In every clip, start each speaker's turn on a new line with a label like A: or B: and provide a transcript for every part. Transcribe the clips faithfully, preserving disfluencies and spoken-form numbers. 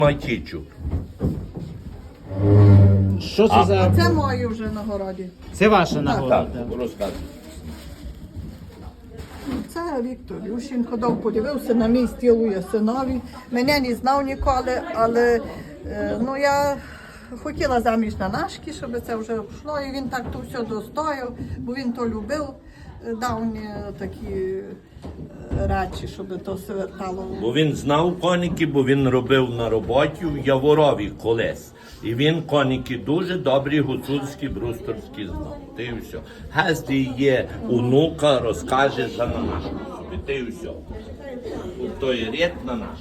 A: Матічу.
B: Що це
A: А,
B: за...
C: Це мої вже на городі.
B: Це ваша
A: Так,
B: нагорода?
A: розказуй.
C: Це Віктор Ющенко дав, подивився на мій стіл у синові. Мене не знав ніколи, але е, ну, я хотіла заміж на нашки, щоб це вже пішло. І він так то все достояв, бо він то любив. Е, Дав мені такі е, речі, щоб то все вертало.
A: Бо він знав коніки, бо він робив на роботі в Яворові колись. І він коніки дуже добрі гуцульські, брусторські знав. Ти і все. Гесті є онука, розкаже за на нашу собі. Ти і все. То є рід на наш.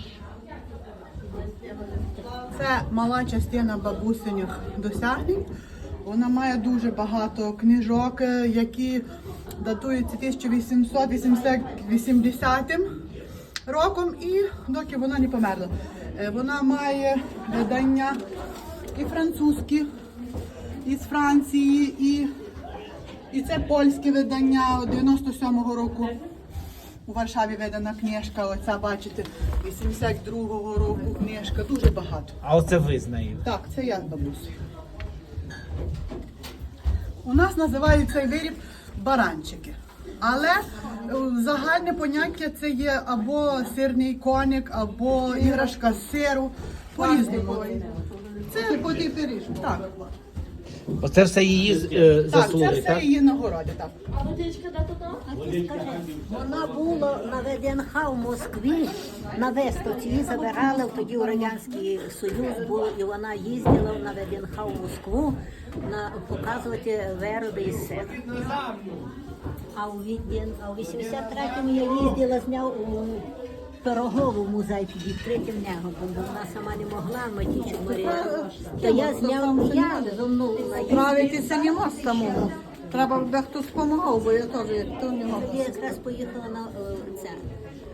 D: Це мала частина бабусиних досягнень. Вона має дуже багато книжок, які датуються тисяча вісімсот вісімдесятим роком, і доки вона не померла. Е, Вона має видання і французькі, і з Франції, і, і це польське видання дев'яносто сьомого року. У Варшаві видана книжка, оця, бачите, вісімдесят другого року книжка, дуже багато.
B: А оце ви з нею?
D: Так, це я з бабусею. У нас називають цей виріб баранчики. Але е, загальне поняття це є або сирний коник, або іграшка з сиру. По-різному. Це по пиріжку. Так,
B: Оце все її е,
D: так,
B: заслуги,
D: це все
B: так?
D: її нагороди. Так.
E: Вона була на ВДНХ в Москві, на виставці. Її забирали, тоді у Радянський Союз був, і вона їздила на ВДНХ в Москву на, показувати вироби із сир. А у, Віден- а у вісімдесят третьому я їздила з нею у Пирогову музей під відкритим небом, бо вона сама не могла, Матічу Марія. То я зняв, я зо мною
C: Правитися не можна самому. Треба, щоб хтось допомагав, бо я теж як то не
E: Я
C: можу.
E: якраз поїхала на е, це,